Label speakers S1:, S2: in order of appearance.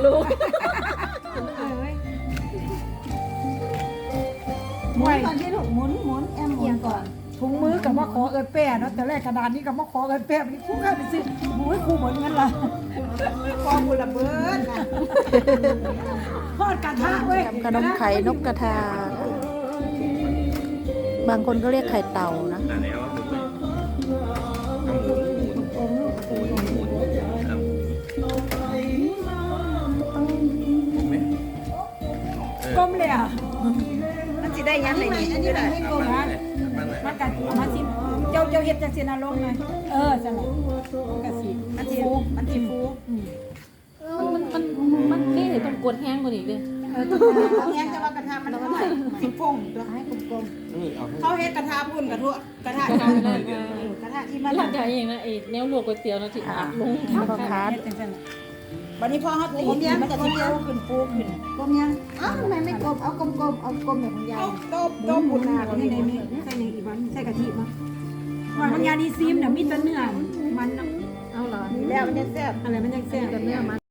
S1: ลูก
S2: หมุนก่อนที่ลูกหมุนแอมหมุนก่อน
S3: ถุงมือกับมาขอเอิญแป้เนาะแต่แรกกระดานนี้กับมาขอเอิญแป้นี่คู่กันไปซื้อหูยคู่เหมือนกันล่ะ
S2: กองบุระเบิดนะ
S3: ทอดกระทะเว้ย
S4: ทำขนมไข่นกกระทา บางคนก็เรียกไข่เต่านะ
S5: อันนี้ว่าผม
S3: ก้มเลยอ่ะ
S2: มันจะได้ยังไงอันนี้มันให้กลมนะ
S3: มันกัมาสิเจ้าเฮ็ดจังซี่นะลงไงจังหวะกะสิ
S2: มันจะฟู
S1: มันนี่ต้องกดแห้งกว่านี้เลย
S2: ตรงนี้จะว่ากระทะมันน้อยสิฟงตัวให้กลมๆเขาเฮ็ดกระทะพุ่นกระทะกระทะที่มัน
S1: หลังจากเองนะไอ้แนวลวกก๋วยเตี๋ยวนะที่อัดลง
S4: พ่อค้า
S2: วันนี้พอเขาตีเนี่ยมันจะเที่ยวขึ้นฟูขึ้นกลมยังอ้าวทำไมไม่กลมเอากลมเอากลมแบบของยายต้มบุญนา
S3: นี่ในนี้ใส่อย่างอีกวันใส่กะทิมามันยาดีซีมเนี่ยมีแต่เนื้อมัน
S1: เอาเหรอ
S2: แล้วมันจะแซ่บ
S3: อะไรมันยังแซ่บ
S1: แต่เนื้อมัน